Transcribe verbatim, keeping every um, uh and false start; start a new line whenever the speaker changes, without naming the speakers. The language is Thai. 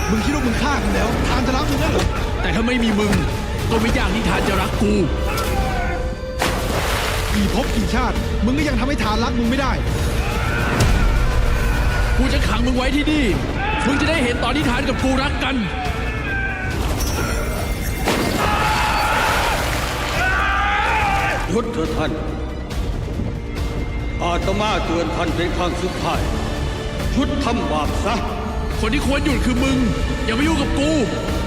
มึงคิดว่ามึงฆ่ากูแล้วทานจะรักมึงได้เหรอ
แต่ถ้าไม่มีมึงก็ไม่ยากที่ทานจะรักกู
กี่ภพกี่ชาติมึงก็ยังทำให้ทานรักมึงไม่ได้
กูจะขังมึงไว้ที่นี่มึงจะได้เห็นตอนที่ทานกับกูรักกัน
หยุดเถิดท่านอาตมาเตือนท่านเป็นครั้งสุดท้ายหยุดทำบาปซะ
คนที่ควรหยุดคือมึงอย่ามายุ่งกับกู